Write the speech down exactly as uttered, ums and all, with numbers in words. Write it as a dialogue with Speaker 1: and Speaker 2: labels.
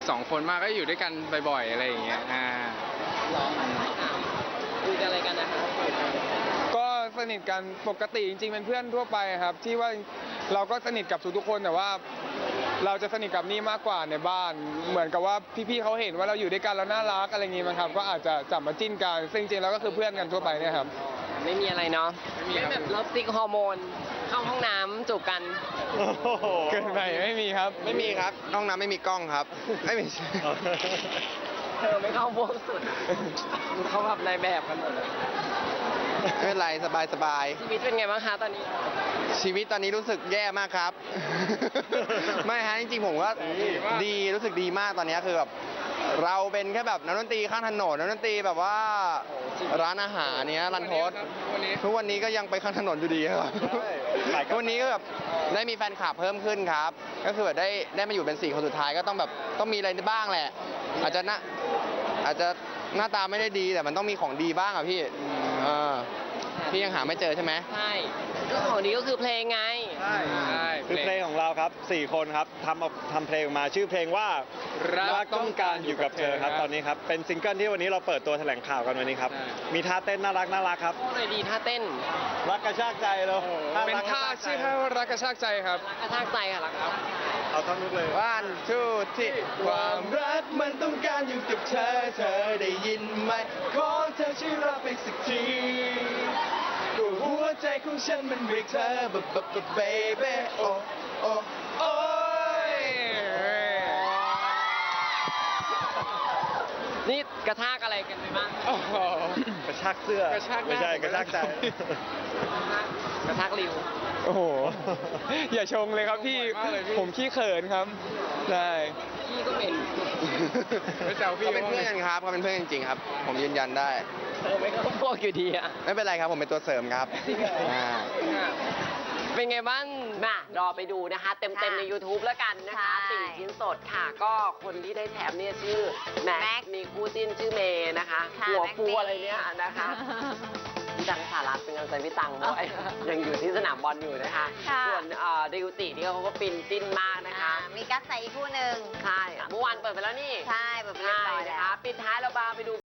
Speaker 1: สองคนมากก็อยู่ด้วยกันบ่อยๆอะไรอย่างเงี้ยอ่า
Speaker 2: คุยกันอะไรกันนะคะ
Speaker 3: ก็สนิทกันปกติจริงๆเป็นเพื่อนทั่วไปครับ ที่ว่าเราก็สนิทกับทุกๆคนแต่ว่า เราจะสนิทกับนี่มากกว่าในบ้าน เหมือนกับว่าพี่ๆเขาเห็นว่าเราอยู่ด้วยกันแล้วน่ารักอะไรอย่างงี้มั้งครับก็อาจจะจับมาจิ้นกันซึ่งจริงๆแล้วก็คือเพื่อนกันทั่วไปเนี่ยครับ
Speaker 2: ไม่มีอะไรเนาะ
Speaker 1: ไม่มีครับ
Speaker 2: แบบเลิฟซิกฮอร์โมนเข้าห้องน้ำจูบกัน
Speaker 3: เกินไปไม่มีครับ
Speaker 4: ไม่มีครับห้องน้ำไม่มีกล้องครับ ไม่มี
Speaker 2: เธอไม่เข้าพวกสุดเขาแบบในแบบกันหมดเลย
Speaker 4: ไม่เป็นไรสบายสบาย
Speaker 2: ชีวิตเป็นไงบ้างคะตอนนี้
Speaker 4: ชีวิตตอนนี้รู้สึกแย่มากครับ ไม่ฮะจริงๆผมก็ดีรู้สึกดีมากตอนนี้คือแบบเราเป็นแค่แบบนักดนตรีข้างถนนนักดนตรีแบบว่าร้านอาหารเนี้ยรันทด
Speaker 1: วันนี้
Speaker 4: ทุกวันนี้ก็ยังไปข้างถนนอยู่ดีครับทุกวันนี้ก็แบบได้มีแฟนคลับเพิ่มขึ้นครับ ก็คือแบบได้ได้มาอยู่เป็นสี่คนสุดท้ายก็ต้องแบบต้องมีอะไรบ้างแหละ อาจจะหน้าอาจจะหน้าตาไม่ได้ดีแต่มันต้องมีของดีบ้างอ่ะพี่เออพี่ยังหาไม่เจอใช่ไหม
Speaker 2: ใช่ก็ของนี้ก็คือเพลงไง
Speaker 1: ใช่ใช่
Speaker 5: คือเพลงของเราครับสี่คนครับทำออกทำเพลงออกมาชื่อเพลงว่ารักต้องการอยู่กับเธอครับตอนนี้ครับเป็นซิงเกิลที่วันนี้เราเปิดตัวแถลงข่าวกันวันนี้ครับมีท่าเต้นน่ารักน่ารักครับ
Speaker 2: พูดเลยดีท่าเต้น
Speaker 5: รักกระชากใจเรา
Speaker 3: เป็นท่าชื่อท่าว่ารักกระชากใจครับ
Speaker 2: รักกระชากใจค่ะรักครับ
Speaker 5: เอาทั้งนุกเลย
Speaker 4: one two three ความรักมันต้องการอยู่กับเธอ เธอได้ยินไหม ขอเธอช่วยรับไปสักทีก็หัวใจของฉันมันเรียกเธอ b b b baby โอ้โอ้โอ้ย
Speaker 2: นี่กระชากอะไรกันไปบ้าง
Speaker 3: โอ้โห
Speaker 5: กระชากเสื้อก
Speaker 3: ระชากหน้า
Speaker 5: ไม่ใช่กระชากใจ
Speaker 2: กระชากริว
Speaker 3: โอ้โห อย่าชงเลยครับพี่ ผมขี้เขินครับ ได้
Speaker 2: พี่ก็เป็น
Speaker 1: ไม่แซวพี่
Speaker 4: เขาเป็นเพื่อนกันครับเขาเป็นเพื่อนจริงๆครับ ผมยืนยันได้
Speaker 2: เธอไม่เข้าพวกอยู่ดีอะ
Speaker 4: ไม่เป็นไรครับ ผมเป็นตัวเสริมครับอ่า
Speaker 2: เป็นไงบ้างมารอไปดูนะคะ เต็มๆใน YouTube แล้วกันนะคะ
Speaker 6: ใช่
Speaker 2: ติ่งชิ้นสดค่ะ ก็คนที่ได้แถมเนี่ยชื่อแม็
Speaker 6: แม็
Speaker 2: ก
Speaker 6: ก
Speaker 2: มีคู่จิ้นชื่อเมย์นะคะ
Speaker 6: ค่ะ
Speaker 2: หัว
Speaker 6: แม็ก
Speaker 2: ฟู
Speaker 6: เมย์
Speaker 2: อะไรเนี่ยนะคะพี่ตังสารัตเป็นกำลังใจพี่ตังด้วย ยังอยู่ที่สนามบอลอยู่นะคะ
Speaker 6: ค่ะ
Speaker 2: ส่วนเอ่อดิวตินี่เขาก็ปินจิ้นมากนะคะ
Speaker 6: อ่ามีกัสใส่อีกคู่หนึ่ง
Speaker 2: ใช่เมื่อวานเปิดไปแล้วนี่
Speaker 6: ใช่แบบเรียบ
Speaker 2: ใช่
Speaker 6: ร้อย
Speaker 2: นะ
Speaker 6: แล้
Speaker 2: คะ
Speaker 6: ว
Speaker 2: ปิดท้ายเราบาไปดู